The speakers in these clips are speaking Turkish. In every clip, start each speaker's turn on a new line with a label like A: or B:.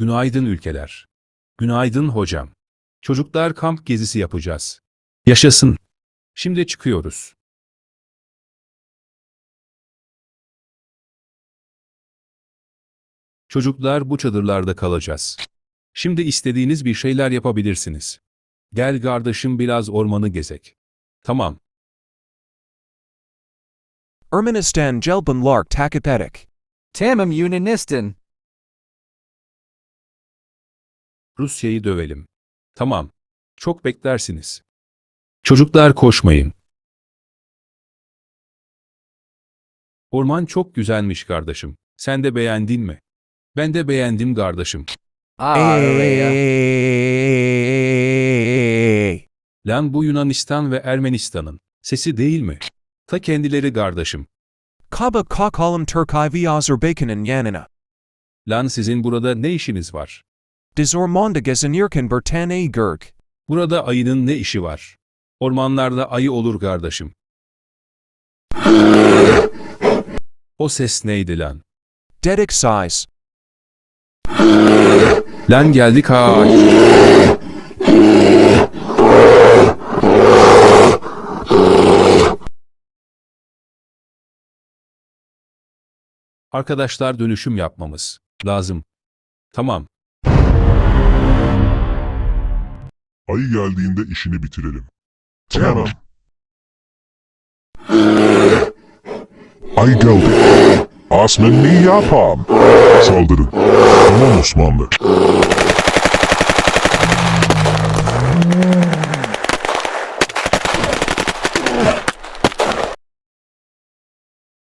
A: Günaydın ülkeler. Günaydın hocam. Çocuklar kamp gezisi yapacağız. Yaşasın. Şimdi çıkıyoruz. Çocuklar bu çadırlarda kalacağız. Şimdi istediğiniz bir şeyler yapabilirsiniz. Gel kardeşim biraz ormanı gezek. Tamam.
B: Ermenistan Jelbun Lark Takapedik.
C: Tamam Yunanistan.
A: Rusya'yı dövelim. Tamam. Çok beklersiniz. Çocuklar koşmayın. Orman çok güzelmiş kardeşim. Sen de beğendin mi? Ben de beğendim kardeşim.
C: Oraya.
A: Lan bu Yunanistan ve Ermenistan'ın sesi değil mi? Ta kendileri kardeşim.
B: Kaba Kakalım Turkay ve Azerbaycan'ın yanına.
A: Lan sizin burada ne işiniz var?
B: Dizormonda gezinirken Bertane Gürk.
A: Burada ayının ne işi var? Ormanlarda ayı olur kardeşim. O ses neydi lan?
B: Dedik size.
A: Lan geldik ha. Arkadaşlar dönüşüm yapmamız lazım. Tamam.
D: Ayı geldiğinde işini bitirelim. Tamam. Ay geldi. Asmen ne yapam? Saldırın. Tamam Osmanlı.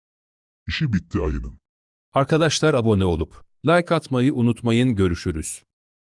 D: İşi bitti ayının.
A: Arkadaşlar abone olup like atmayı unutmayın. Görüşürüz.